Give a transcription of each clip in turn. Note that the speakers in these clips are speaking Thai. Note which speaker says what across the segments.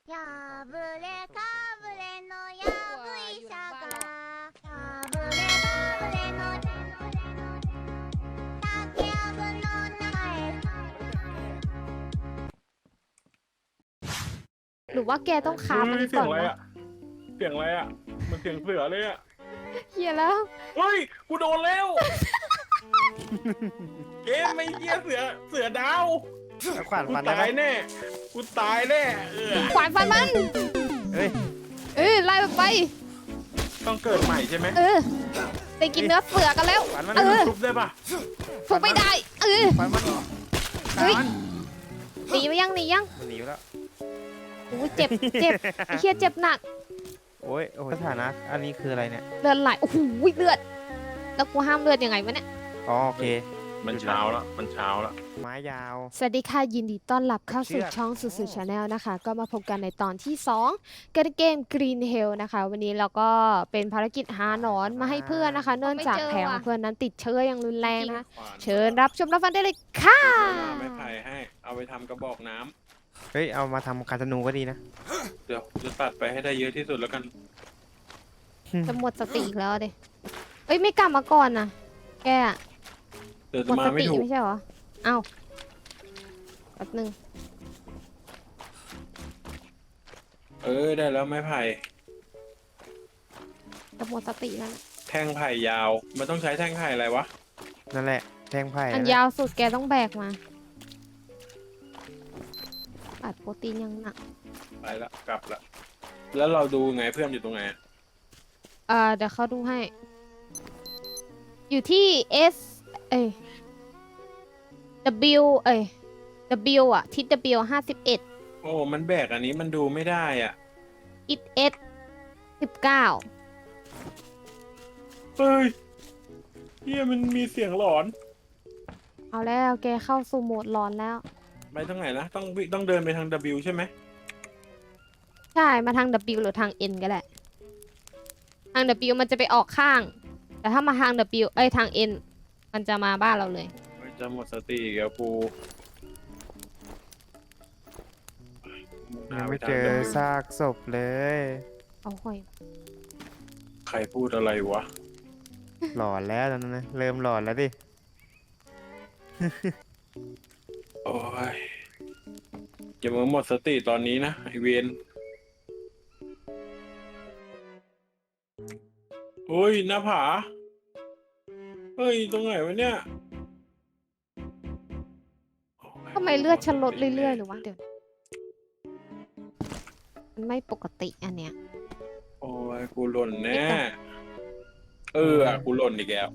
Speaker 1: やぶれかぶれのやぶいさかやぶれかぶれの竹やぶの名前
Speaker 2: หรือว่าแกต้องคาบอันนี้
Speaker 3: เสี
Speaker 2: ก่
Speaker 3: ย
Speaker 2: อง น
Speaker 3: อะไร
Speaker 2: วะ
Speaker 3: อะเสียงอะไรอะมันเสียงเสือเลยอะ
Speaker 2: เฮียแล้ว
Speaker 3: เฮ้ยกูโดนแล้วเกมไม่เหี้ยเสือดาว
Speaker 4: แล้วขวาน
Speaker 3: กู
Speaker 4: ฟันได้
Speaker 3: ตาย
Speaker 4: ปะ
Speaker 3: แน่กูตายแน่
Speaker 2: ขวานฟันมัน
Speaker 4: เฮ้ย
Speaker 2: ไล่มันไป
Speaker 3: ต้องเกิดใหม่ใช่ไหม
Speaker 2: ไปกินเนื้อเสือกันแล้ว
Speaker 4: ขวานมัน
Speaker 3: ทุบได้ปะ
Speaker 2: ถูกไม่ได้
Speaker 4: ขวานมัน
Speaker 2: เฮ้ยหนีไปยัง
Speaker 4: มันหนีไปแล้ว
Speaker 2: โอ้ยเจ็บไอ้เฮียเจ็บหนัก
Speaker 4: โอ้ยสถานะอันนี้คืออะไรเนี่ย
Speaker 2: เลือดไหลโอ้โหเลือดแล้วกูห้ามเลือดยังไงวะเนี่ย
Speaker 4: อ๋อโอเค
Speaker 3: มันเช้าแล้วมันเช้าแล้ว
Speaker 4: ไม้ยาว
Speaker 2: สวัสดีค่ะยินดีต้อนรับเข้าสู่
Speaker 4: เชือก
Speaker 2: ช่องสุดชาแนลนะคะ ก็มาพบกันในตอนที่2กันเกม Green Hell นะคะ วันนี้เราก็เป็นภารกิจหาหนอนมาให้เพื่อนนะคะ เนื่องจากแผลของเพื่อนนั้นติดเชื้ออย่างรุนแรงนะคะ เชิญรับชมรับฟังได้เลยค่ะ
Speaker 3: ไม่ไผ่ให้เอาไปทำกระบอกน้ำ
Speaker 4: เฮ้ยเอามาทำคาธนูก็ดีนะ
Speaker 3: เดี๋ยวจะตัดไปให้ได้เยอะที่สุดแล้วกัน
Speaker 2: จะหมดสติอีกแล้วดิเอ้ยไม่กลับมาก่อนนะแกอะ
Speaker 3: เดี๋ยว
Speaker 2: ห
Speaker 3: จะ
Speaker 2: มด
Speaker 3: มา
Speaker 2: ส
Speaker 3: ไม่
Speaker 2: ติ
Speaker 3: ถูก
Speaker 2: ไม่ใช่เหรอ เอ้าแป๊บนึง
Speaker 3: ได้แล้วไม่ไผ่
Speaker 2: จะหมดสติแล้วนะ
Speaker 3: แท่งไผ่ยาวมันต้องใช้แท่งไผ่อะไรวะ
Speaker 4: นั่นแหละแทงไผ่
Speaker 2: อัน
Speaker 4: นั่นแหละ
Speaker 2: ยาวสุดแกต้องแบกมาอัดโปรตีนยังหนัก
Speaker 3: ไปละกลับละแล้วเราดูไงเพื่อนอยู่ตรงไหนอะ
Speaker 2: เดี๋ยวเขาดูให้ อยู่ที่ S เอ้ย W เอ้ย W อ่ะทิศ W 51
Speaker 3: โอ้มันแบกอันนี้มันดูไม่ได้อ่ะ
Speaker 2: ทิศ S 19
Speaker 3: เฮ้ยเฮียมันมีเสียงหลอน
Speaker 2: เอาแล้วแกเข้าสู่โหมดร้อนแล้ว
Speaker 3: ไปทางไหนนะต้องเดินไปทาง W ใช่ไหม
Speaker 2: ใช่ มาทาง W หรือทาง N ก็ได้ ทาง W มันจะไปออกข้าง แต่ถ้ามาทาง W เอ้ยทาง N มันจะมาบ้านเราเลย
Speaker 3: จะหมดสติอีกแล้วกู
Speaker 4: ยังไม่เจอซากศพเลย
Speaker 2: เอาห่อย
Speaker 3: ใครพูดอะไรวะ
Speaker 4: หลอนแล้วตอนนั้นนะเริ่มหลอนแล้วดิ
Speaker 3: โอ้ยอย่ามาหมดสติตอนนี้นะไอเวนโอ้ยหน้าผาเฮ้ยตรงไหนวะเนี่ย
Speaker 2: ทำไมเลือดฉันลดเรื่อยๆหรือวะเดี๋ยว มันไม่ปกติอันเนี้ย
Speaker 3: โอ้ยกูหล่นแน่กูหล่นอีกแล้ว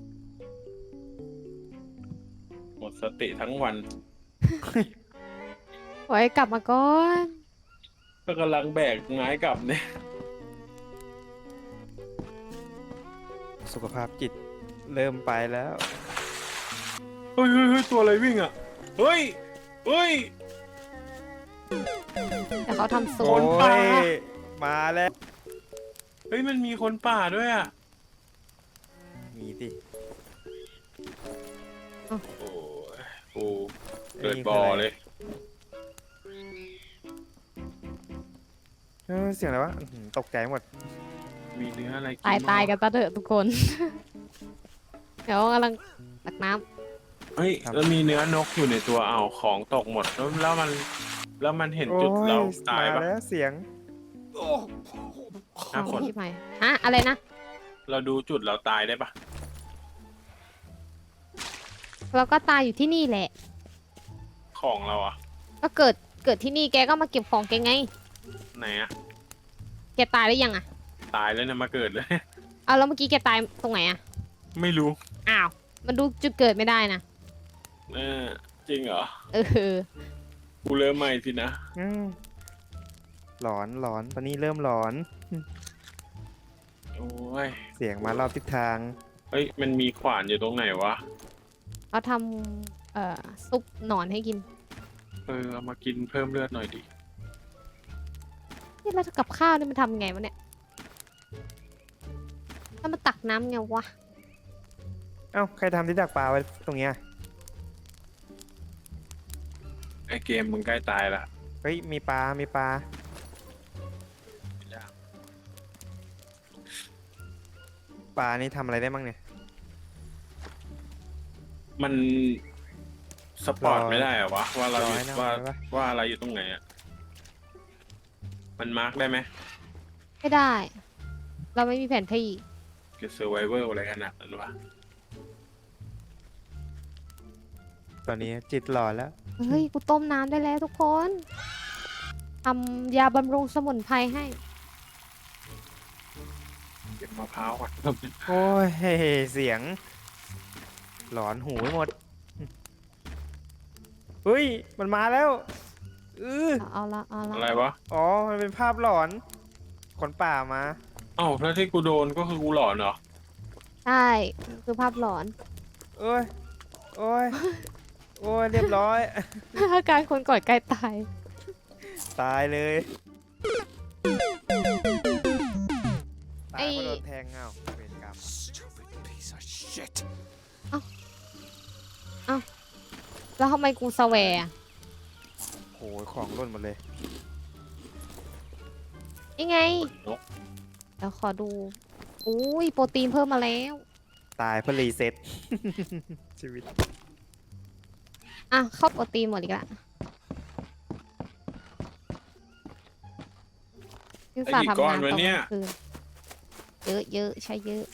Speaker 3: หมดสติทั้งวัน
Speaker 2: ไว้กลับมาก่อน
Speaker 3: ก็กำลังแบกไม้กลับเนี่ย
Speaker 4: สุขภาพจิตเริ่มไปแล้ว
Speaker 3: เฮ้ยตัวอะไรวิ่งอ่ะเฮ้ย
Speaker 2: แต่เขาทำโซ
Speaker 4: โอ้
Speaker 2: น
Speaker 4: ยมาแล้ว
Speaker 3: เฮ้ยมันมีคนป่าด้วยอ่ะ
Speaker 4: มีดิ
Speaker 3: โอ้ยกูเกิดบ่อเลย
Speaker 4: เสียงอะไรวะอื้อหือตกใจหมด
Speaker 3: มีเนื้ออะไรกิน
Speaker 2: ตาย
Speaker 3: บ้งวะ
Speaker 2: กันซะเถอะทุกคน เดี๋ยวกำลังตักน้
Speaker 3: เฮ้ยแล้วมีเนื้อนกอยู่ในตัวของตกหมดแล้วมันเห็นจุด
Speaker 4: โอ้ย
Speaker 3: เราตาย
Speaker 4: มา
Speaker 3: ปะ
Speaker 4: แล้วเสียง
Speaker 2: ำ
Speaker 3: หน้าฝน
Speaker 2: ที่ใหม่ฮะอะไรนะ
Speaker 3: เราดูจุดเราตายได้ปะ
Speaker 2: เราก็ตายอยู่ที่นี่แหละ
Speaker 3: ของเราอ่ะ
Speaker 2: ก็เกิดที่นี่แกก็มาเก็บของแกไง
Speaker 3: ไหนอ่ะ
Speaker 2: แกตายหรือยังอะ
Speaker 3: ตายแล้วเนี่ยมาเกิดเลย
Speaker 2: เอาแล้วเมื่อกี้แกตายตรงไหนอะ
Speaker 3: ไม่รู้
Speaker 2: อ้าว มันดูจุดเกิดไม่ได้นะ
Speaker 3: จริงเหรอ
Speaker 2: เออ
Speaker 3: กูเริ่มใหม่สินะ
Speaker 4: อืมหลอนตอนนี้เริ่มหลอน
Speaker 3: โอ้ย
Speaker 4: เสียงมารอบทิศทาง
Speaker 3: เฮ้ยมันมีขวานอยู่ตรงไหนวะ
Speaker 2: เขาทำซุปหนอนให้กิน
Speaker 3: เอามากินเพิ่มเลือดหน่อยดิ
Speaker 2: นี่แล้วกับข้าวนี่มันทำไงวะเนี่ยถ้ามันตักน้ำไงวะ
Speaker 4: เอ้าใครทำที่ดักปลาไว้ตรงเนี้ย
Speaker 3: ไอเกมมึงใกล้ตายละ
Speaker 4: เฮ้ยมีปลาปลานี่ทำอะไรได้บ้างเนี่ย
Speaker 3: มันสปอร์ตไม่ได้เหรอวะว่าเราอยู่
Speaker 4: ร้อยนะ
Speaker 3: ว่า
Speaker 4: ร้อยปะ
Speaker 3: ว่าอะไรอยู่ตรงไหนอ่ะมันมาร์กได้ไหม
Speaker 2: ไม่ได้ เราไม่มีแผนที่
Speaker 3: จะเซอร์ไวเวอร์อะไรขนาดนั้นวะ
Speaker 4: ตอนนี้จิตหล่อแล้ว
Speaker 2: เฮ้ย กูต้มน้ำได้แล้วทุกคนทำยาบำรุงสมุนไพรให้
Speaker 3: เก็บมะพร้าวก่อน
Speaker 4: โอ้ยเสียง หลอนหูไปหมดเฮ้ยมันมาแล้ว
Speaker 2: เอาละ
Speaker 3: อะไรวะ
Speaker 4: อ๋อมันเป็นภาพหลอนคนป่ามา
Speaker 3: เอ้าแล้วที่กูโดนก็คือกูหลอนเหรอ
Speaker 2: ใช่คือภาพหลอน
Speaker 4: โอ้ยโอ้ยโอ้ยเรียบร้อย
Speaker 2: อาการคนก่อนใกล้ตาย
Speaker 4: ตายเลย
Speaker 2: ไอ้
Speaker 4: ตายเพราะโดนแทงเงาเวรกรรม
Speaker 2: แล้วทำไมกูสแวร์อะ
Speaker 4: โหของหล่นหมดเลย
Speaker 2: ยังไง
Speaker 3: นก
Speaker 2: แล้วขอดู อุ้ยโปรตีนเพิ่มมาแล้ว
Speaker 4: ตายเพื่อรีเซ็ต ชีวิต
Speaker 2: อ่ะ เข้าโปรตีนหมดอีกละคือ
Speaker 3: ไอ้
Speaker 2: สา
Speaker 3: กี่
Speaker 2: ทำ
Speaker 3: ก้อน
Speaker 2: งาน
Speaker 3: วะ
Speaker 2: ตอนก
Speaker 3: เนี่ย
Speaker 2: ลางคืนเยอะใช้เยอะ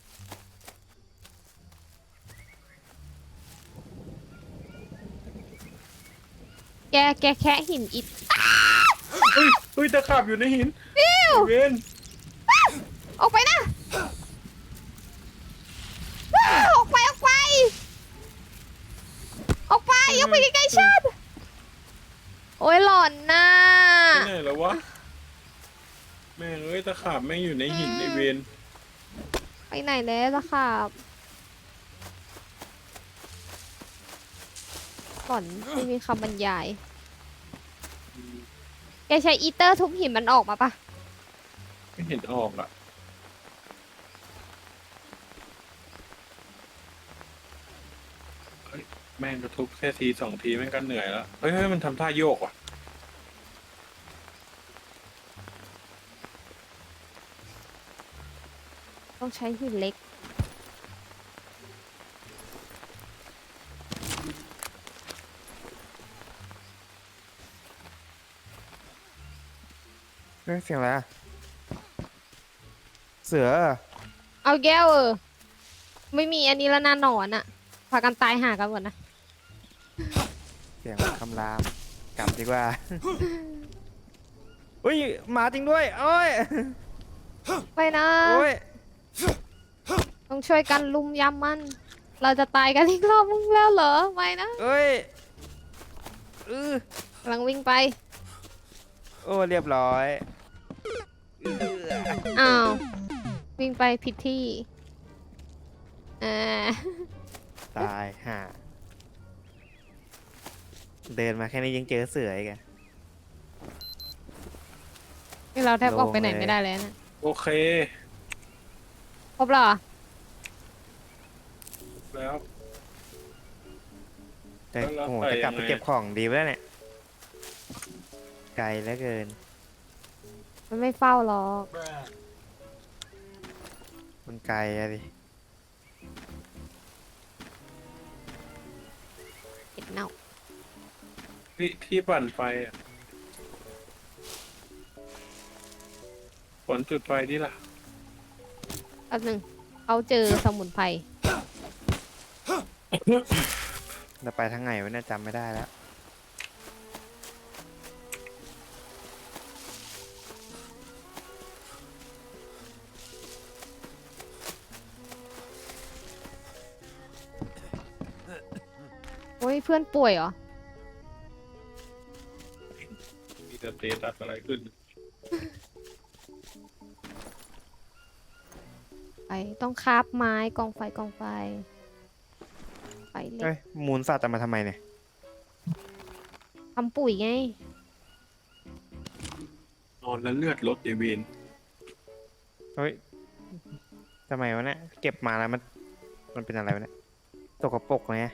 Speaker 2: แกแค่หินอิฐ
Speaker 3: เฮ้ยตะขาบอยู่ในหินเวน
Speaker 2: ออกไปนะออกไปออกไปออกไปอย่าไปใกล้ๆฉันโอ้ยหลอนน่ะ
Speaker 3: ไปไหนแล้ววะแม่งเอ้ยตะขาบแม่งอยู่ในหินไอเวน
Speaker 2: ไปไหนแล้วล่ะครับหลอนไม่มีคำบรรยายแกใช้อีเตอร์ทุบหินมันออกมาปะ
Speaker 3: ไม่เห็นออกอ่ะเฮ้ยแม่งกระทุบแค่ทีสองทีแม่งก็เหนื่อยแล้วเฮ้ยมันทำท่าโยกว่ะ
Speaker 2: ต้องใช้หินเล็ก
Speaker 4: เฮ้ยเสียงอะไรอะเสือ
Speaker 2: เอาแก้วไม่มีอันนี้แล้วนะหนอนอะพากันตายหากันหมดนะ
Speaker 4: เสียงคำรามกลับดีกว่า อุ้ยหมาจริงด้วยโอ้ย
Speaker 2: ไปนะ
Speaker 4: โอ้ย
Speaker 2: ต้องช่วยกันลุมยำมัน เราจะตายกันอีกรอบมึงแล้วเหรอไม่นะ
Speaker 4: เอ้ย
Speaker 2: กำลังวิ่งไป
Speaker 4: โอ้เรียบร้อย
Speaker 2: อ้าววิ่งไปผิดที่อ่า
Speaker 4: ตายห่าเดินมาแค่นี้ยังเจอเสืออีกอะ
Speaker 2: นี่เราแทบออกไปไหน
Speaker 4: โล่งเลย
Speaker 2: ไม่ได้เลยนะ
Speaker 3: โอเค
Speaker 2: ครบแล้วเหรอ
Speaker 3: แล้ว
Speaker 4: แต่
Speaker 3: แล้ว
Speaker 4: โอ้โห
Speaker 3: ไป
Speaker 4: จะกลับ
Speaker 3: ยัง
Speaker 4: ไป
Speaker 3: ไง
Speaker 4: เก็บของดีไปแล้วเนี่ย ไกลเหลือเกิน
Speaker 2: มันไม่เฝ้าหรอก
Speaker 4: มันไกลอะดิ
Speaker 2: เห็ดเน่า
Speaker 3: ที่ปั่นไฟอ่ะผลจุดไฟที่ล่ะ
Speaker 2: แป๊บหนึงเขาเจอสมุนไพร
Speaker 4: เราไปทางไหนวะเนี่ยจำไม่ได้แล้ว
Speaker 2: โอ้ยเพื่อนป่วยเหรอ
Speaker 3: มีสเตตัสอะไรขึ้น
Speaker 2: ไปต้องคราบไม้กองไฟไปเล็
Speaker 4: เฮ้
Speaker 2: ก
Speaker 4: ย มูลสัตว์จะมาทำไมเนี่ย
Speaker 2: ทำปุ๋ยไง
Speaker 3: นอนแล้วเลือดลดไอเวน
Speaker 4: เฮ้ยทำไมวะเนี่ย เก็บมาแล้วมันเป็นอะไรวะเนี่ยตกปรกเลย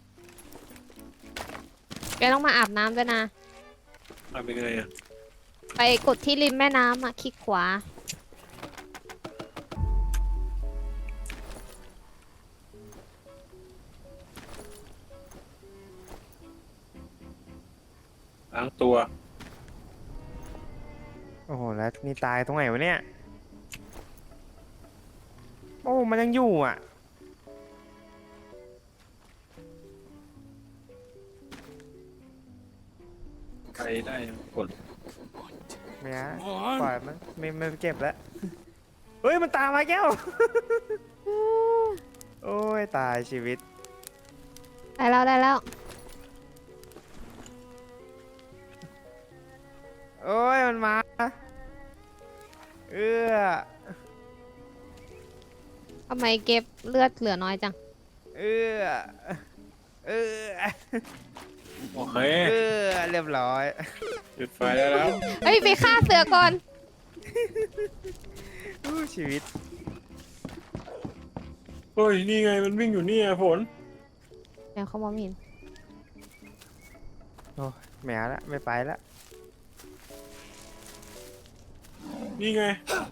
Speaker 2: แกต้องมาอาบน้ำด้วยนะ
Speaker 3: ทำยังไงอ่ะ
Speaker 2: ไปกดที่ริมแม่น้ำอ่ะคลิกขวา
Speaker 3: ล้างตัว
Speaker 4: โอ้โหแล้วนี่ตายตรงไหนวะเนี่ยโอ้มันยังอยู่อ่ะ
Speaker 3: ไปได้กด
Speaker 4: ไม่นะปล่อยมันไม่เก็บแล้วเฮ้ยมันตามมาแก้ว โอ้ยตายชีวิต
Speaker 2: ได้แล้วได้แล้ว
Speaker 4: โอ้ยมันมาเอื้อ
Speaker 2: ทำไมเก็บเลือดเหลือน้อยจัง
Speaker 4: เอื้อเอื้อ
Speaker 3: โอเค
Speaker 4: เอื้อเรียบร้อย
Speaker 3: จุดไฟได้แล้ว
Speaker 2: เฮ้ยไปฆ่าเสือก่อน
Speaker 4: อู้ชีวิต
Speaker 3: เฮ้ยนี่ไงมันวิ่งอยู่นี่ไงฝน
Speaker 2: เดี๋ยวเขามองไม่เห็น
Speaker 4: โอ้ยไม่เอาละไม่ไปละ
Speaker 3: นี่ไง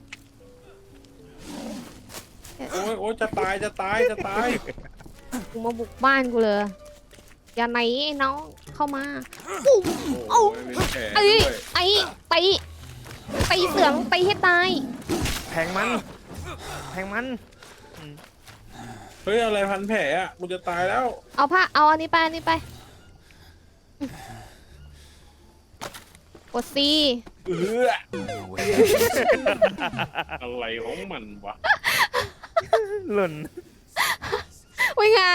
Speaker 3: โอ้ยโอ้ยจะตายจะตายจะตาย
Speaker 2: กูมาบุกบ้านกูเลย อย่าไหนไอ้น้องเข้ามา
Speaker 3: โอ้ยเป็นแผล
Speaker 2: ไอ้
Speaker 3: ด้วย
Speaker 2: ไอ้ตีเสือตีให้ตาย
Speaker 4: แทงมันแทงมัน
Speaker 3: เฮ้ยอะไรพันแผลอ่ะกูจะตายแล้ว
Speaker 2: เอาผ้าเอาอันนี้ไปอันนี้ไปกดซี
Speaker 3: เอออะไรของมันวะ
Speaker 4: หล่น
Speaker 2: อุ้ยไง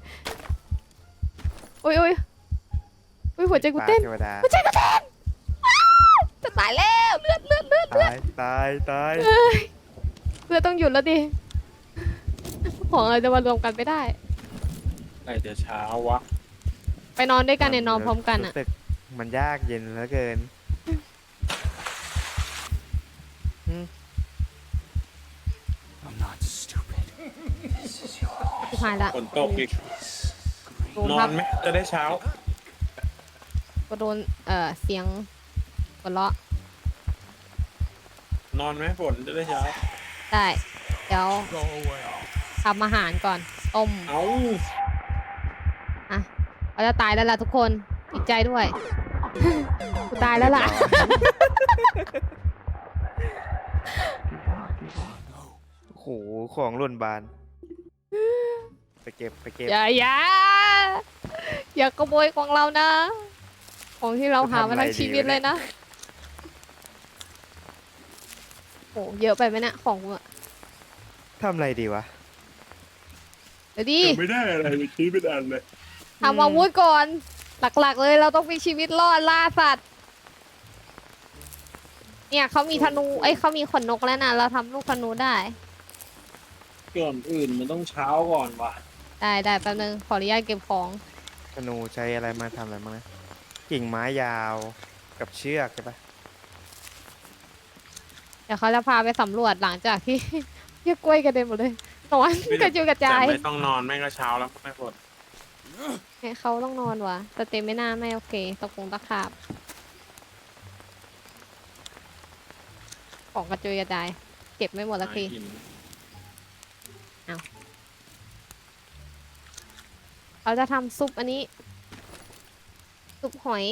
Speaker 2: อุ้ยหัวใจกูเต้น
Speaker 4: เทวดา
Speaker 2: หัวใจกูเต้นอ้าวจะตายแล้วเลือด
Speaker 4: ตายตายตาย
Speaker 2: เอ้ยเลือดต้องหยุดแล้วดิ ของอะไรจะมารวมกันไม่ได้
Speaker 3: ไหนจะเช้าวะ
Speaker 2: ไปนอนด้วยกันเนี่ยนอนพร้อมกันอ่ะ
Speaker 4: รู้สึมันยากเย็นเหลือเกิน
Speaker 2: สุดท้ายละ
Speaker 3: ฝนตกอีก
Speaker 2: โดน
Speaker 3: นอ
Speaker 2: พั
Speaker 3: น
Speaker 2: บ
Speaker 3: ไหมจะได้เช้า
Speaker 2: ก็โดนเสียงหัวเราะ
Speaker 3: นอนไหมฝนจะได้เช้า
Speaker 2: ได้ เดี๋ยวทำอาหารก่อน ต้ม
Speaker 3: เอ้า
Speaker 2: อ่ะเราจะตายแล้วล่ะทุกคนดีใจด้วย กูตายแล้วล่ะ
Speaker 4: โอ้โหของหล่นบาน ไปเก็บ
Speaker 2: อย่าขโมยของเรานะ ของที่เราหามาทั้งชีวิตเลยนะโหเยอะไปไหมเนี่ยของกูอะ
Speaker 4: ทำอะไรดีวะ
Speaker 2: เดี๋ยวดิ
Speaker 3: ไม่ได้อะไรไปชี้เป็นอันเลย
Speaker 2: ทำอาวุธก่อน หลักๆเลยเราต้องมีชีวิตรอดล่าสัตว์ เนี่ยเขามีธนูเขามีขนนกแล้วนะเราทำลูกธนูได้
Speaker 3: ก่อนอื่นมันต้องเช้าก่อนว่ะ
Speaker 2: ได้แป๊บนึงขออนุญาตเก็บของ
Speaker 4: ธนูใช้อะไรมาทำอะไรบ้างนะ กิ่งไม้ยาวกับเชือกใช่ปะ
Speaker 2: เดี๋ยวเขาจะพาไปสำรวจหลังจากที่ เรียกกล้วยกระเด็นหมดเลยนอนกระจุยกระ
Speaker 3: แต่
Speaker 2: จาย
Speaker 3: ไม่ต้องนอนแม่งก็เช้าแล้วไม่ฝน
Speaker 2: ให้เขาต้องนอนวะแต่เต็มไม่น่าไม่โอเคตะคงตะขาบของกระจุยกระจาย เก็บไม่หมดสักที
Speaker 3: กิน
Speaker 2: เขาจะทำซุปอันนี้ ซุปหอย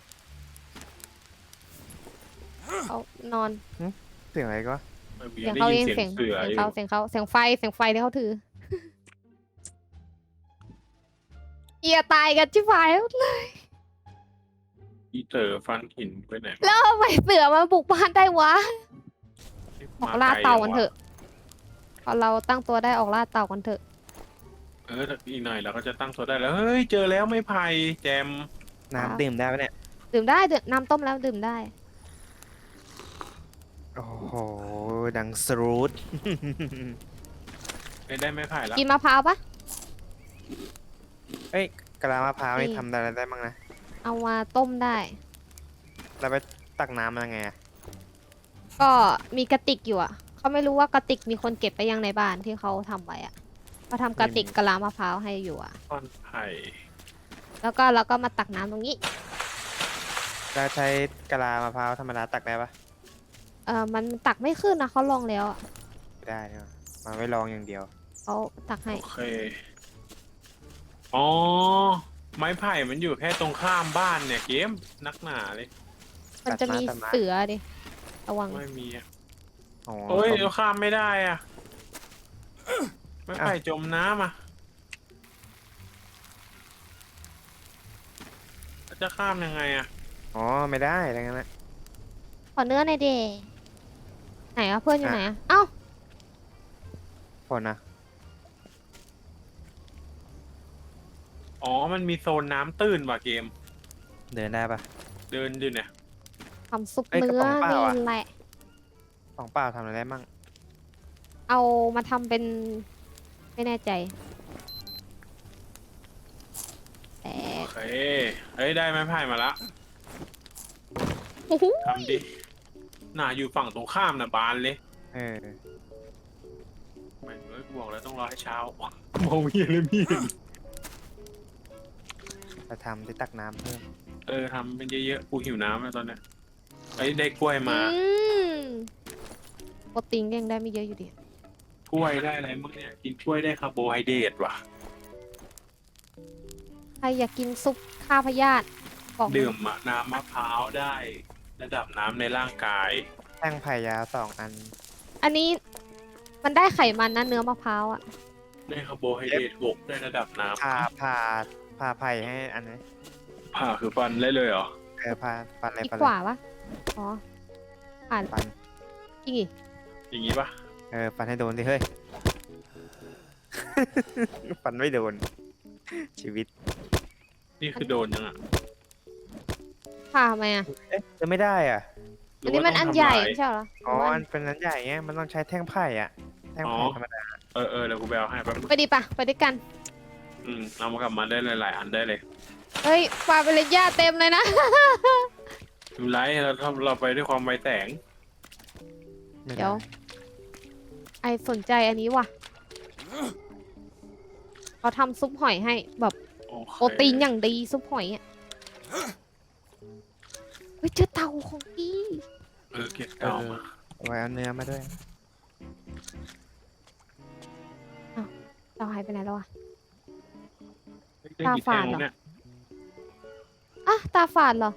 Speaker 2: เขานอน
Speaker 4: เสียงอะไรก็
Speaker 3: ไม่มี
Speaker 2: เสียง
Speaker 3: ได้
Speaker 2: เขา
Speaker 3: ยิ
Speaker 2: เอน ง
Speaker 3: เสียงเสืออยู่
Speaker 2: เสียงไฟที่เขาถือ เอียตายกันชิบหายแล้วเลย
Speaker 3: อีเต๋อฟันหินไปไหน
Speaker 2: แล้วทำไมเสือมาบุกบ้านได้วะ ออกล่าเต่ากันเถอะพอเราตั้งตัวได้ออกล่าเต่ากันเถอะ
Speaker 3: อีกหน่อยเราก็จะตั้งตัวได้แล้ว เฮ้ย เจอแล้วไม่ไผ่แจม
Speaker 4: น้ำดื่มได้ปะเนี่ย
Speaker 2: ดื่มได้น้ำต้มแล้วดื่มได้
Speaker 4: โอ้โห ดังสรูท
Speaker 3: ไม่ได้ไม่ไผ่แล้ว
Speaker 2: กินมะพร้าวปะ
Speaker 4: เอ้ยกะลามะพร้าวนี่
Speaker 2: นี่
Speaker 4: ทำอะไรได้บ้างนะ
Speaker 2: เอามาต้มได้
Speaker 4: เราไปตักน้ำยังไงอะ
Speaker 2: ก็มีกระติกอยู่อ่ะเขาไม่รู้ว่ากระติกมีคนเก็บไปยังในบ้านที่เขาทำไว้อ่ะเขาทำกระติกกะลามะพร้าวให้อยู่อ่ะ
Speaker 3: ต้นไผ่
Speaker 2: แล้วก็เราก็มาตักน้ำตรงนี้
Speaker 4: เราใช้กะลามะพร้าวธรรมดาตักได้ปะ
Speaker 2: มันตักไม่ขึ้นนะเขาลองแล้วอะ
Speaker 4: ไม่ได้เนี่ยมาไว้ลองอย่างเดียว
Speaker 2: เขาตักให้
Speaker 3: โอเคอ๋อไม้ไผ่มันอยู่แค่ตรงข้ามบ้านเนี่ยเกมนักหนาเลย
Speaker 2: มันจะมี
Speaker 4: ตัดมา
Speaker 2: เสือดิระวัง
Speaker 3: ไม่มีอะ
Speaker 4: อ๋อ
Speaker 3: โอ้ย
Speaker 4: ต้ม
Speaker 3: เราข้ามไม่ได้อ่ะไม้ไผ่จมน้ำอ่ะจะข้ามยังไงอ่ะ
Speaker 4: อ๋อไม่ได้อะไรงั้นนะ
Speaker 2: ขอเนื้อหน่อยเดไหนอะเพื่อนอยู่ไหนอะเอ้า
Speaker 4: ผลนะ
Speaker 3: อ๋อมันมีโซนน้ำตื้นว่ะเกม
Speaker 4: เดินได้ปะ
Speaker 3: เดินอยู่เนี่ย
Speaker 2: ทำซุป
Speaker 4: เอ้ยกระ
Speaker 2: เนื้อ
Speaker 4: ป๋องเปล่า
Speaker 2: นี่
Speaker 4: อะ
Speaker 2: แหละ
Speaker 4: ของเปล่าทำอะไรได้มั่ง
Speaker 2: เอามาทำเป็นไม่แน่ใจแต่
Speaker 3: โอเคเฮ้ยได้ไม้ไผ่มาละ
Speaker 2: โอ้โห
Speaker 3: ทำดิน่าอยู่ฝั่งตรงข้ามน่ะบานเลย
Speaker 4: เออ
Speaker 3: ไม่เอ้ยกูบอกแล้วต้องรอให้เช้า มองเห็นเลยพี่
Speaker 4: จะทำที่ตักน้ำเพิ่ม
Speaker 3: ทำเป็นเยอะๆกูหิวน้ำแล้วตอนเนี้ยไอ้ยได้กล้วยมา
Speaker 2: โปรตีนก็ยังได้ไม่เยอะอยู่ดี
Speaker 3: กล้วยได้อะไรมั้งเนี่ยกินกล้วยได้คาร์โบไฮเดรตว่ะ
Speaker 2: ใครอยากกินซุปข้าวพยาธิบอก
Speaker 3: ดื่มอะน้ำมะพร้าวได้ ระดับน้ำในร่างกาย
Speaker 4: แท่งไผ่ยาว2 อัน
Speaker 2: อันนี้มันได้ไขมันนะเนื้อมะพร้าวอะ
Speaker 3: ได้คาร์โบไฮเดรต6ได้ระดับน้
Speaker 4: ผ่าไผ่ให้อันนี้
Speaker 3: ำผ่าคือฟันได้เลยเหรอ
Speaker 4: ผ่าปันอะไร
Speaker 2: อีก
Speaker 4: ปัน
Speaker 2: กว่าปะอ๋ออ่าน
Speaker 4: ปัน
Speaker 2: จริงอีก
Speaker 3: อย่างนี้ปะ
Speaker 4: ปันให้โดนดิเฮ้ย ปันไม่โดน ชีวิต
Speaker 3: นี่คือโดนยังอะ
Speaker 2: ผ่าทำไมอะ
Speaker 4: จะไม่ได้อ่ะ
Speaker 3: หรื
Speaker 2: อัน
Speaker 3: ว่า
Speaker 2: นี้มัน
Speaker 3: ต้
Speaker 2: อั
Speaker 3: ง
Speaker 2: น
Speaker 3: ทำ
Speaker 2: ใหญ่
Speaker 3: ลาย
Speaker 2: ไม่ใช่เหรอ
Speaker 4: อ๋อ
Speaker 2: หรือว่า
Speaker 4: มันเป็นอันใหญ่ไงมันต้องใช้แท่งไผ่อ่ะ แท่งไผ่ธรรมดา
Speaker 3: เดี๋ยวกูไปเอาให้แป๊บนึง
Speaker 2: ไปดิปะไปด้วยกัน
Speaker 3: เอามากลับมาได้หลายๆอันได้เลย
Speaker 2: เฮ้ยปลาเป็นระยะเต็มเลยนะ
Speaker 3: ดูไลท์เราไปด้วยความไวแสง
Speaker 4: ไม่
Speaker 2: เดี๋ยว ไอสนใจอันนี้ว่ะเขาทำซุปหอยให้แบบ
Speaker 3: โอเค
Speaker 2: โปรตีนอย่างดีซุปหอยอ่ะเฮ้ยเจอเต่าของพี่
Speaker 3: เก็บเก่ามา
Speaker 4: เอาไว้เอาเนื้อมาด้วย
Speaker 2: เต่าหายไปไหนแล้วอ่ะ
Speaker 3: ได้กี่แท่งแล้วเนี่ย
Speaker 2: อ่ะตาฝาดเหรอ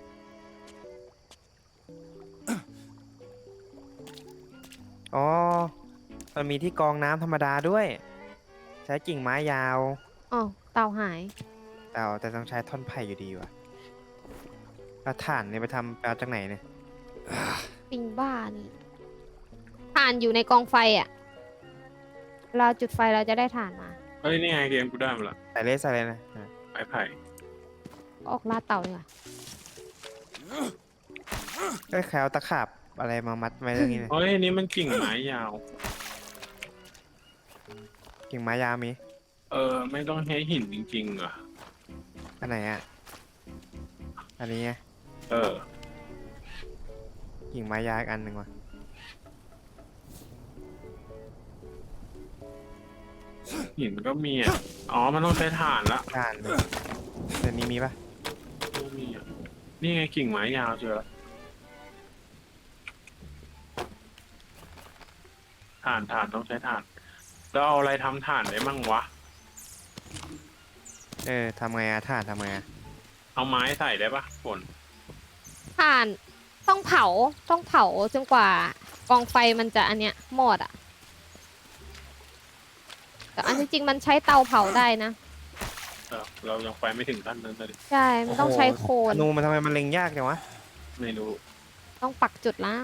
Speaker 4: อ๋อ มันมีที่กรองน้ำธรรมดาด้วย ใช้กิ่งไม้ยาว
Speaker 2: อ๋อเต่าหาย
Speaker 4: แต่ต้องใช้ท่อนไผ่อยู่ดีว่ะแล้วถ่านเนี่ยไปเอาจากไหนเนี่ย
Speaker 2: ปิงบ้านี่ถ่านอยู่ในกองไฟอ่ะเราจุดไฟเราจะได้ถ่านมา
Speaker 3: เฮ้ยนี่ไงเกมกูได้มาละ
Speaker 4: ใส่เลยนะ
Speaker 3: ไม้ไผ่
Speaker 2: ออกล่าเต่าเลยว่ะ
Speaker 4: ก็แคลตะขาบอะไรมามัดไว้เรื่องนี้เนี่ย
Speaker 3: เฮ้ยนี่มันกิ่งไม้ยาว
Speaker 4: กิ่งไม้ยาวมี
Speaker 3: ไม่ต้องใช้หินจริงๆเหรอ
Speaker 4: อันไหนอ่ะ อันนี้ไง กิ่งไม้ยาวอีกอันหนึ่งว่ะ
Speaker 3: หินก็มีอ่ะ อ๋อ มันต้องใช้ถ่านละ
Speaker 4: ถ่านเลยเดี๋ยวนี้มีปะ
Speaker 3: ไม่มีอ่ะ นี่ไงกิ่งไม้ยาวเจอละถ่านต้องใช้ถ่าน แล้วเอาอะไรทำถ่านได้มั่งวะ
Speaker 4: ทำไงอะถ่านทำไงอะ
Speaker 3: เอาไม้ใส่ได้ปะฝน
Speaker 2: ถ่านต้องเผาจนกว่ากองไฟมันจะอันเนี้ยหมดอ่ะแต่อันที่จริงมันใช้เตาเผาได้นะ
Speaker 3: เรายังไปไม่ถึงขั้นนั้นเลย
Speaker 2: ใช่ มันต้องใช้โคน
Speaker 4: ธนูมันทำไมมันเล็งยากจังวะ
Speaker 3: ไม่รู้
Speaker 2: ต้องปักจุดแล้ว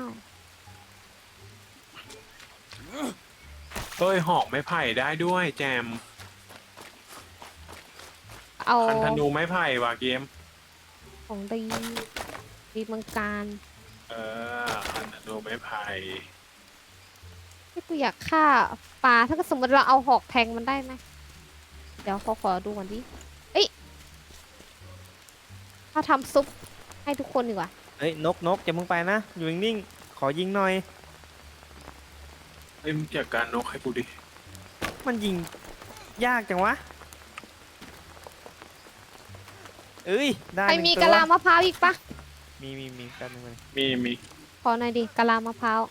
Speaker 3: เฮ้ยหอกไม้ไผ่ได้ด้วยแจม
Speaker 2: เอา
Speaker 3: คันธนูไม้ไผ่ว่ะเกม
Speaker 2: ของดีเมืองการ
Speaker 3: คันธนูไม้ไผ่
Speaker 2: ที่กูอยากฆ่าปลาถ้าเกิดสมมติเราเอาหอกแทงมันได้ไหมเดี๋ยวขอดูก่อนดิเอ้ยถ้าทำซุปให้ทุกคนดีกว่า
Speaker 4: เฮ้ยนกอย่ามึงไปนะ อยู่นิ่งๆขอยิงหน่อย
Speaker 3: เอ้ยมึงจัดการนกให้กูดิ
Speaker 4: มันยิงยากจังวะ เอ้ยได้
Speaker 2: ใคร
Speaker 4: หนึ่ง
Speaker 2: มี
Speaker 4: ตัว
Speaker 2: กะลามะพร้าวอีกปะ
Speaker 4: มีแป๊บนึงเลย
Speaker 3: มี
Speaker 2: ขอหน่อยดิกะลามะพร้าว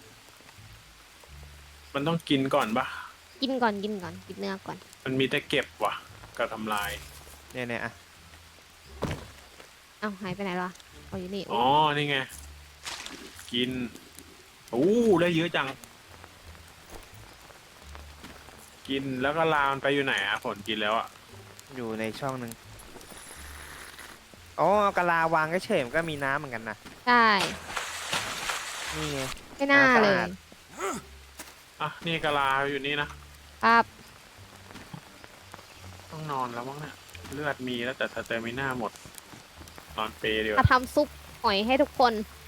Speaker 3: มันต้องกินก่อนปะ
Speaker 2: กินก่อนกินเนื้อก่อน
Speaker 3: มันมีแต่เก็บว่ะกับทำลาย
Speaker 4: เนี่ยอ่ะ
Speaker 2: เอ้าหายไปไหนล่ะเอาอยู่นี่
Speaker 3: อ๋อ นี่ไง กินโอ้ได้เยอะจัง กินแล้วก็ลามมันไปอยู่ไหนอะผลกินแล้วอะ
Speaker 4: อยู่ในช่องหนึ่งอ๋อกะลาวางก็เฉยมันก็มีน้ำเหมือนกันนะ
Speaker 2: ใช่
Speaker 4: นี่ไง
Speaker 2: ไม่น่า
Speaker 4: สะอาด
Speaker 2: เลย
Speaker 3: อ่ะนี่กะลาอยู่นี่นะครับ ต้องนอนแล้วมั้งเนี่ยเลือดมีแล้วแต่สเตมิน่าหมด นอนเปรย์ดีก
Speaker 2: มา
Speaker 3: ว่า
Speaker 2: ทำซุปหอยให้ทุกคน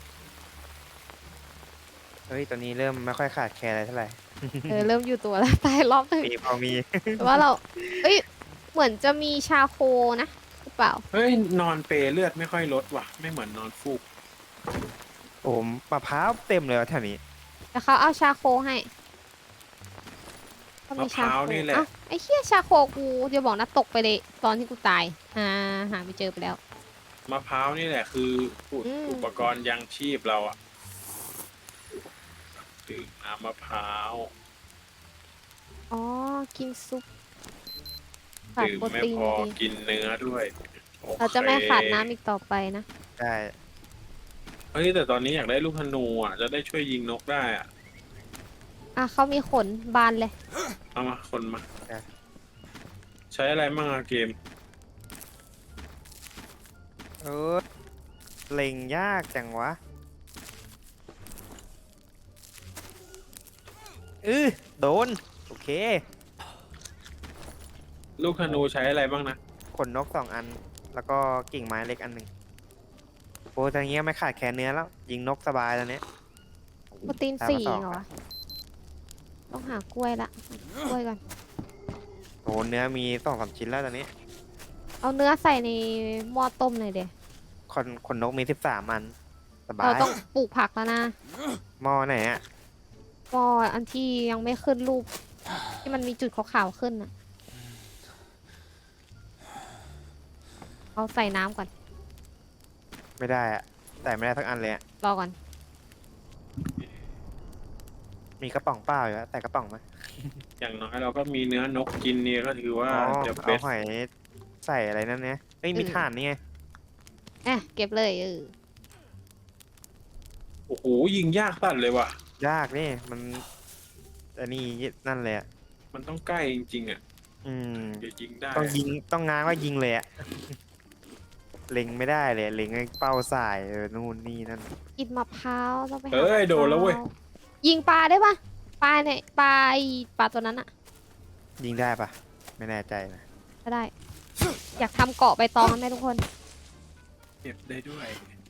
Speaker 4: เฮ้ยตอนนี้เริ่มไม่ค่อยขาดแคลนอะไรเท่าไหร่
Speaker 2: เริ่มอยู่ตัวแล้ว ตายรอบหนึง
Speaker 4: ปีพอมี
Speaker 2: แต่ว่าเราเอ้ยเหมือนจะมีชาโคนะหรือเปล่า
Speaker 3: เฮ้ยนอนเปรย์เลือดไม่ค่อยลดว่ะ ไม่เหมือนนอนฟูก
Speaker 4: โอ้มะพร้าวเต็มเลยวะแถวนี้
Speaker 2: แต่เขาเอาชาโคให้ก็
Speaker 3: มะพร้าวนี่แหละ
Speaker 2: เอ้าไอ้เหี้ยชาโคกูจะบอกนะตกไปเลยตอนที่กูตายหาไม่เจอไปแล้ว
Speaker 3: มะพร้าวนี่แหละคืออุปกรณ์ยังชีพเราอะดื่มน้ำมะพร้าว
Speaker 2: อ๋อกินซุปขาด
Speaker 3: ดื่ม
Speaker 2: โปร
Speaker 3: ไม่
Speaker 2: ตีน
Speaker 3: พอ
Speaker 2: ดี
Speaker 3: กินเนื้อด้วยโอค
Speaker 2: เราจะไม่ขาดน้ำอีกต่อไปนะ
Speaker 4: ได้
Speaker 3: เฮ้ยแต่ตอนนี้อยากได้ลูกธนูอ่ะ จะได้ช่วยยิงนกได้อ่ะ
Speaker 2: เขามีขนบานเลย
Speaker 3: เอามาคนมา ใช้อะไรบ้างอะเกม
Speaker 4: เออเล็งยากจังวะโดนโอเค
Speaker 3: ลูกธนูใช้อะไรบ้างนะ
Speaker 4: ขนนก2 อัน แล้วก็กิ่งไม้เล็กอันหนึ่งโอ้ทางเงี้ยไม่ขาดแคลนเนื้อแล้วยิงนกสบายแล้วเนี้ย
Speaker 2: โปรตีน
Speaker 4: ตามมา
Speaker 2: สี่
Speaker 4: ต่อ
Speaker 2: เหรอวะต้องหากล้วยละหากล้วยก่อน
Speaker 4: โอ้เนื้อมี2-3 ชิ้นแล้วตอนนี้
Speaker 2: เอาเนื้อใส่ในหม้อต้มเลยเดี๋ยว
Speaker 4: ขนนกมี13 อันสบา
Speaker 2: เรา
Speaker 4: ย
Speaker 2: ต้องปลูกผักแล้วนะ
Speaker 4: หม้อไหนอ่ะ
Speaker 2: หม้ออันที่ยังไม่ขึ้นรูป ที่มันมีจุดขาวๆขึ้นน่ะเอาใส่น้ำก่อน
Speaker 4: ไม่ได้อ่ะแต่ไม่ได้ทั้งอันเลยอ่ะ
Speaker 2: รอก่อน
Speaker 4: มีกระป๋องเปล่าอยู่แล้วแต่กระป๋องไหม
Speaker 3: อย่างน้อยเราก็มีเนื้อนกกินเนี่ยก็ถือว่า
Speaker 4: อ๋อ
Speaker 3: จะ
Speaker 4: เอา
Speaker 3: เป็น
Speaker 4: หอยใส่อะไรนั่นเนี่ยเอ้ยมีถ่านนี่ไง
Speaker 2: เก็บเลย
Speaker 3: โอ้โหยิงยากสัตว์เลยว่ะ
Speaker 4: ยากนี่มันอันนี้นั่นเลยอ่ะ
Speaker 3: มันต้องใกล้จริงๆอ่ะ
Speaker 4: อืม
Speaker 3: จะยิงได้
Speaker 4: ต้องยิงต้องง้างว่ายิงเลยอ่ะ เล็งไม่ได้เลยเล็งให้เป้าสายนู่นนี่นั่น
Speaker 2: กินมะพร้าวต้องไปหา
Speaker 3: เอ้ยโดนแล้วเว้ย
Speaker 2: มะพร้ายิงปลาได้ปะปลาเนี่ยปลาไอปลาตัวนั้นอะ
Speaker 4: ยิงได้ปะไม่แน่ใจนะ
Speaker 2: ก็ได้ อยากทำเกาะใบตองกันไหมทุกคน
Speaker 3: เก็บได้ด้วย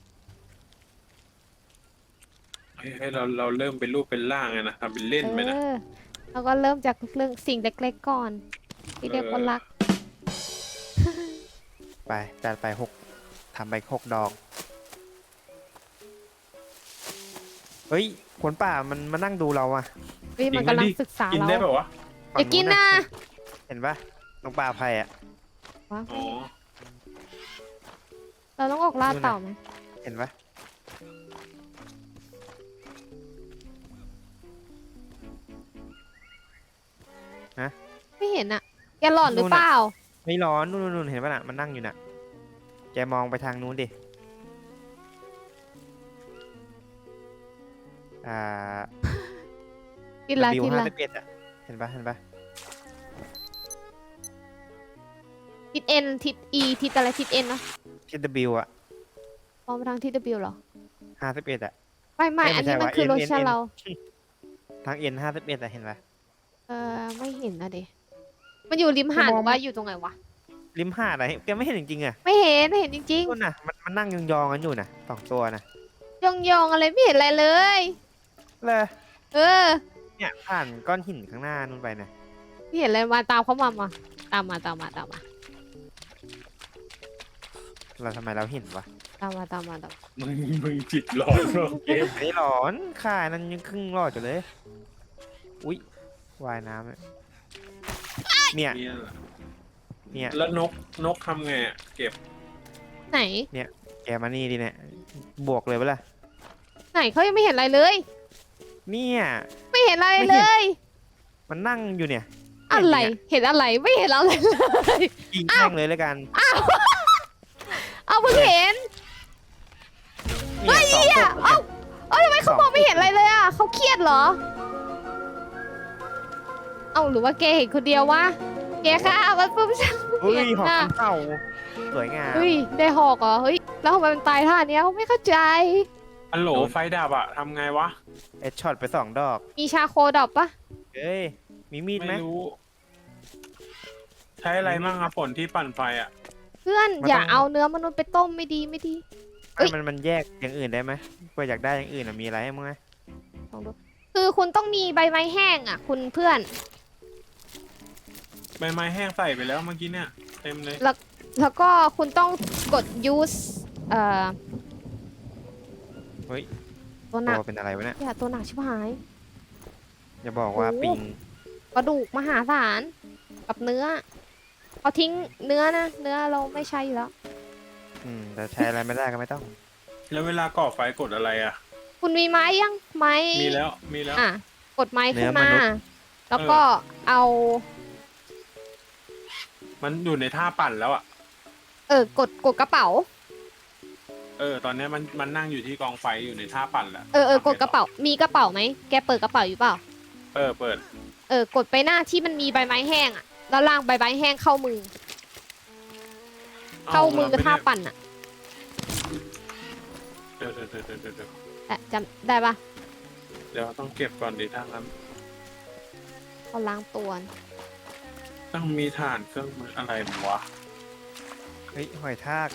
Speaker 3: ให้เราเริ่มเป็นรูปเป็นร่างไงนะทำเป็นเล่นไปนะ
Speaker 2: แล้วก็เริ่มจากเรื่องสิ่งเล็กๆก่อนที่เรียกว่ารัก
Speaker 4: ไปจัดไปทำไป6 ดอกเฮ้ยขนป่ามันมานั่งดูเราอ่ะ
Speaker 2: เฮ้ยมันกำลังศึกษา
Speaker 3: กิน
Speaker 2: เรา
Speaker 3: ได้แบบวะ
Speaker 2: อย่ากินนะ
Speaker 4: เห็นปะนกป่าภัยอ่ะ
Speaker 2: ว้าว
Speaker 3: อ๋อ
Speaker 2: เราต้องออกล่าเต่าไหม
Speaker 4: เห็นปะ
Speaker 2: ไม่เห็นอะแกหลอนหรือเปล่า
Speaker 4: ไม่ร้อนนู่นเห็นปะน่ะมันนั่งอยู่น่ะแกมองไปทางนู้นดิอ่า
Speaker 2: กินละ
Speaker 4: วิว
Speaker 2: กินละ
Speaker 4: 51อ่ะเห็นปะ
Speaker 2: ทิศเอ็นทิศอีทิศอะไรทิศเอ็นนะ
Speaker 4: ที่ W อ่ะ
Speaker 2: มองไปทางทิศ W เหรอ
Speaker 4: 51อ่ะ
Speaker 2: ไม่
Speaker 4: ไม่
Speaker 2: อันนี้
Speaker 4: ใช่
Speaker 2: มัน
Speaker 4: ว่า
Speaker 2: คือ
Speaker 4: N
Speaker 2: โลชั่น
Speaker 4: N
Speaker 2: เรา
Speaker 4: ทาง N 51อ่ะเห็นปะ
Speaker 2: ไม่เห็นนะเดมันอยู่ริมหาดหรือว่าอยู่ตรงไหนวะ
Speaker 4: ริมหาดอะไรแกไม่เห็นจริงๆอ่ะ
Speaker 2: ไม่เห็นจริง
Speaker 4: นู่นน่ะมันนั่งยองๆกันอยู่น่ะ2 ตัวน่ะ
Speaker 2: ๆยองอะไรไม่เห็นอะไรเลย
Speaker 4: เลย
Speaker 2: เออ
Speaker 4: เนี่ยผ่านก้อนหินข้างหน้านู่นไปน่ะ
Speaker 2: ไม่เห็นอะไรมาตามเขามาตามมา
Speaker 4: เราทำไมเราเห็นวะ
Speaker 3: มึงจิตหลอนเนอะเกม
Speaker 4: ไอ้หลอนข่านั้นยังครึ่งรอดอยู่เลยอุ๊ยว่ายน้ำเนี่ย
Speaker 3: เนี่ยแหละ
Speaker 4: เนี่ย
Speaker 3: แล้วนกทำไงอะเก็บ
Speaker 2: ไหน
Speaker 4: แกมานี่ดิเนี่ยบวกเลยปะล่ะ
Speaker 2: ไหนเขายังไม่เห็นอะไรเลย
Speaker 4: เนี่ย
Speaker 2: ไม่เห็นอะไร
Speaker 4: ไม่
Speaker 2: เล
Speaker 4: เห็น
Speaker 2: ย
Speaker 4: มันนั่งอยู่เนี่ย
Speaker 2: อะไรเห็นอะไรไม่เห็นอะไรเลย
Speaker 4: ยิงแม่งเลยแล้วกัน
Speaker 2: เอาเพิ่งเห็น
Speaker 4: เนี่ยสองศพ
Speaker 2: เอ้าทำไมเขามองไม่เห็นอะไรเลยอ่ะเขาเครียดเหรอ เอาหรือว่าแกเห็นคนเดียววะแกค่ะมันปุ๊บฉัน
Speaker 4: เฮ้ย
Speaker 2: เห็น
Speaker 4: หอก
Speaker 2: น่ะ
Speaker 4: คำเต่าสวยงาม
Speaker 2: เฮ้ยได้หอกเหรอเฮ้ยแล้วทำไมมันตายท่าเนี้ยไม่เข้าใจ
Speaker 3: อันโหลไฟดับอะทำไงวะ
Speaker 4: เอ็ดช็อตไป2 ดอก
Speaker 2: มีชาโคดอกปะ
Speaker 4: เฮ้ยมีมีดไหม
Speaker 3: ไม่รู้ ใช้อะไรมั่งอะฝนที่ปั่นไฟอะ
Speaker 2: เพื่อน
Speaker 4: มัน
Speaker 2: อย่า
Speaker 4: ต้อง
Speaker 2: เอาเนื้อมนุษย์ไปต้มไม่ดีไม่ดี เอ้ย
Speaker 4: มันแยกอย่างอื่นได้ไหมเพื่ออยากได้อย่างอื่นอะมีอะไรให้มึงไหม
Speaker 2: ลองดูคือคุณต้องมีใบไม้แห้งอ่ะ คุณเพื่อน
Speaker 3: ใบไม้แห้งใส่ไปแล้วเมื่อกี้เนี่ยเต็มเลย
Speaker 2: แล้วก็คุณต้องกด use
Speaker 4: เฮ้ย
Speaker 2: ตัวหนัก
Speaker 4: ตัวเป็นอะไรวะเนี่ย
Speaker 2: อย่าตัวหนักชิบหาย
Speaker 4: อย่าบอกว่า
Speaker 2: โอ้
Speaker 4: ปิง
Speaker 2: กระดูกมหาศาลกับเนื้อเอาทิ้งเนื้อนะ เนื้อเราไม่ใช่อยู่แล้ว
Speaker 4: แต่ใช้อะไรไม่ได้ก็ไม่ต้อง
Speaker 3: แล้วเวลาก่อไฟกดอะไรอะ
Speaker 2: คุณมีไม้ยังไม้
Speaker 3: มีแล้วมีแล้ว
Speaker 2: อ่ะกดไม้ขึ้น
Speaker 4: เนื้อ
Speaker 2: มาม
Speaker 4: นุษย์
Speaker 2: แล้วก็เอา
Speaker 3: มันอยู่ในท่าปั่นแล้วอะ
Speaker 2: กดกระเป๋า
Speaker 3: ตอนเนี้ยมันนั่งอยู่ที่กองไฟอยู่ในท่าปั่นแล้ว
Speaker 2: กดกระเป๋ามีกระเป๋าไหมแกเปิดกระเป๋าอยู่เปล่า
Speaker 3: เปิด
Speaker 2: กดไปหน้าที่มันมีใบไม้แห้งอ่ะแล้วล่างใบไม้แห้งเข้ามือ เข้ามือ
Speaker 3: รไได้
Speaker 2: ท่าปั่นอ่ะ
Speaker 3: เดี๋ยว
Speaker 2: แต่จำได้ปะ
Speaker 3: เดี๋ยวต้องเก็บก่อนดีถ้างั้น
Speaker 2: เขาล้างตัว
Speaker 3: ต้องมีฐานเครื่องมืออะไรวะ
Speaker 4: เฮ้ยหอยทาก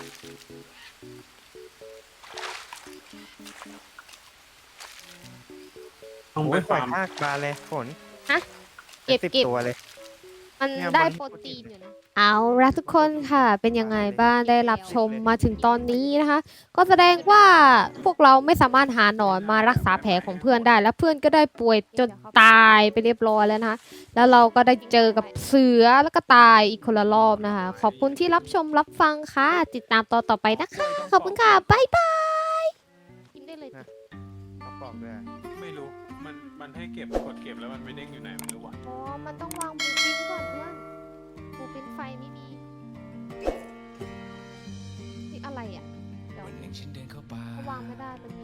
Speaker 3: ต้อง
Speaker 4: โอ้
Speaker 3: ไป
Speaker 4: ยห
Speaker 3: ฟา
Speaker 4: อย
Speaker 3: ร์ม
Speaker 4: ทากบานเลยฝน
Speaker 2: เก็บ
Speaker 4: 10 ตัวเลย
Speaker 2: มัน
Speaker 4: เนี่ย
Speaker 2: ได้
Speaker 4: บน
Speaker 2: โปรตีนอยู่นะ เอาละทุกคนค่ะ เป็นยังไงบ้างได้รับชมมาถึงตอนนี้นะคะ ก็แสดงว่าพวกเราไม่สามารถหาหนอนมารักษาแผลของเพื่อนได้ แล้วเพื่อนก็ได้ป่วยจนตายไปเรียบร้อยแล้วนะคะ แล้วเราก็ได้เจอกับเสือแล้วก็ตายอีกคนละรอบนะคะ ขอบคุณที่รับชมรับฟังค่ะ ติดตามตอนต่อไปนะคะ ขอบคุณค่ะ บ๊ายบายกินได้เลย
Speaker 4: เอาปอกด้วย
Speaker 3: ไม่รู้ มันให้เก็บกดเก็บแล้วมันไม่เด้งอยู่ไหนไม่รู้ว่ะ
Speaker 2: อ๋อ มันต้องวางบูปินก่อนเพื่อนบูปินไฟไม่มีนี่อะไรอ่ะ เดี๋ยว
Speaker 5: วันหนึ่งฉันเดินเข้าป่า
Speaker 2: เขาวางไม่ได้มันมี